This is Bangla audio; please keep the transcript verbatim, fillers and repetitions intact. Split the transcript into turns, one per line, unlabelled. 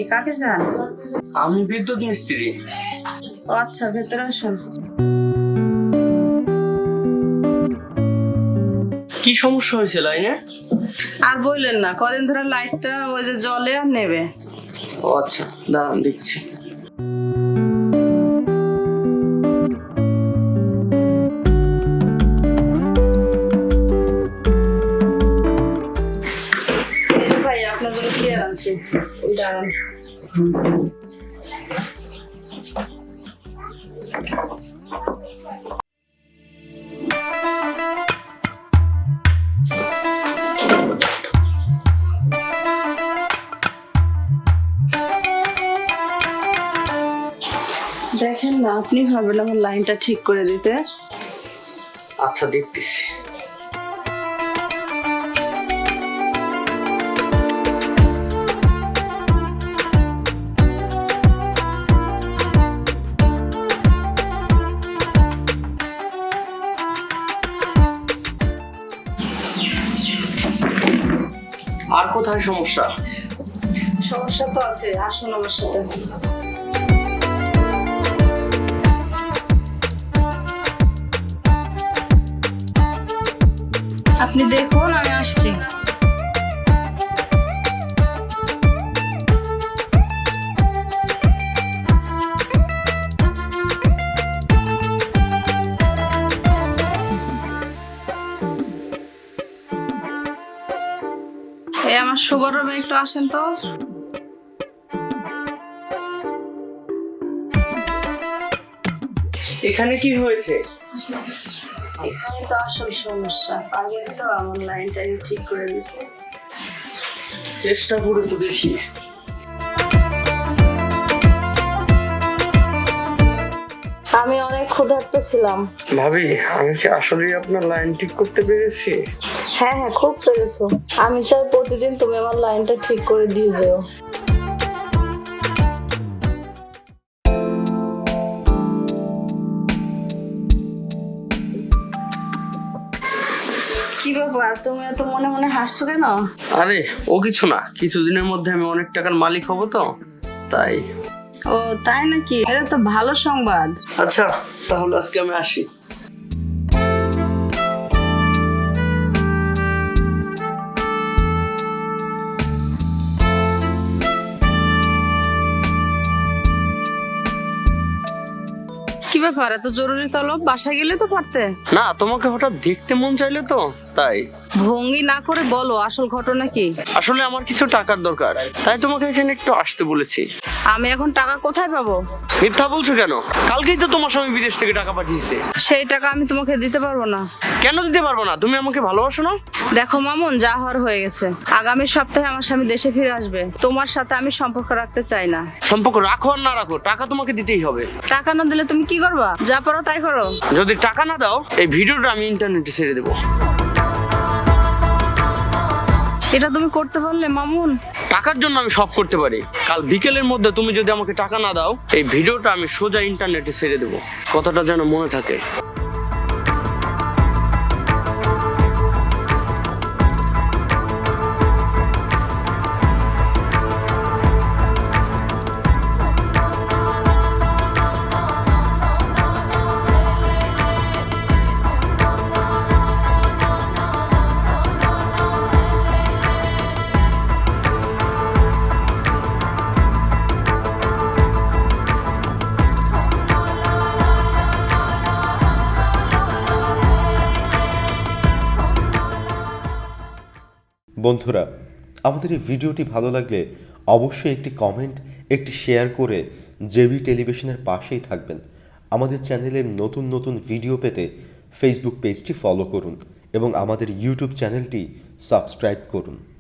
কাকে চান?
আমি বিদ্যুৎ মিস্ত্রি।
ও আচ্ছা, ভেতরে আসুন।
কি সমস্যা হয়েছে লাইনে?
আর বললেন না, কদিন ধরে লাইটটা ওই যে জ্বলে আর নেবে।
ও আচ্ছা, দাঁড়ান দেখছি।
ভাই আপনার জন্য চেয়ার আনছি, দাঁড়ান। দেখেন না, আপনি ভাবেন আমার লাইনটা ঠিক করে দিতে।
আচ্ছা দেখতেছি। আর কোথায় সমস্যা?
সমস্যা তো আছে, আসুন আমার সাথে। আপনি দেখুন, আমি আসছি। এই আমার সুগার রুমে একটু আসেন তো।
এখানে কি হয়েছে?
এখানে তো আসল সমস্যা, পারবেন তো আমার লাইনটা ঠিক করে দিতে?
চেষ্টা করে তো দেখি।
আমি অনেক ক্ষুধার্ত ছিলাম।
ভাবি, আমি কি আসলে আপনার লাইন ঠিক করতে পেরেছি?
হ্যাঁ হ্যাঁ, খুব পেরেছো। আমি চাই প্রতিদিন তুমি আমার লাইনটা ঠিক করে দিয়ে যেও। কি ব্যাপার, তুমি এত মনে মনে হাসছো কেন?
আরে ও কিছু না, কিছুদিনের মধ্যে আমি অনেক টাকার মালিক হব তো তাই।
ও তাই নাকি? এটা তো ভালো সংবাদ।
আচ্ছা তাহলে আজকে আমি আসি।
কি ব্যাপার, এত জরুরি তলব? বাসায় গেলে তো পারতে।
না, তোমাকে হঠাৎ দেখতে মন চাইলে তো তাই।
ভঙ্গি না করে বলো আসল ঘটনা কি।
আসলে আমার কিছু টাকার দরকার, তাই তোমাকে এখানে একটু আসতে বলেছি।
আমি এখন টাকা কোথায় পাবো?
মিথ্যা বলছো কেন? কালকেই তো তোমার স্বামী বিদেশ থেকে টাকা পাঠিয়েছে।
সেই টাকা আমি তোমাকে দিতে পারবো না।
কেন দিতে পারবো না? তুমি আমাকে ভালোবাসো না?
দেখো মামুন, যা হওয়ার হয়ে গেছে। আগামী সপ্তাহে আমার স্বামী দেশে ফিরে আসবে। তোমার সাথে আমি সম্পর্ক রাখতে চাই না।
সম্পর্ক রাখো আর না রাখো, টাকা তোমাকে দিতেই হবে।
টাকা না দিলে তুমি কি করবা? যা পারো তাই করো।
যদি টাকা না দাও, এই ভিডিওটা আমি ইন্টারনেটে ছেড়ে দেবো।
এটা তুমি করতে পারলে মামুন?
টাকার জন্য আমি সব করতে পারি। কাল বিকেলের মধ্যে তুমি যদি আমাকে টাকা না দাও, এই ভিডিওটা আমি সোজা ইন্টারনেটে ছেড়ে দেবো। কথাটা যেন মনে থাকে।
বন্ধুরা, আমাদের এই ভিডিওটি ভালো লাগলে অবশ্যই একটি কমেন্ট, একটি শেয়ার করে জেবি টেলিভিশনের পাশেই থাকবেন। আমাদের চ্যানেলের নতুন নতুন ভিডিও পেতে ফেসবুক পেজটি ফলো করুন এবং আমাদের ইউটিউব চ্যানেলটি সাবস্ক্রাইব করুন।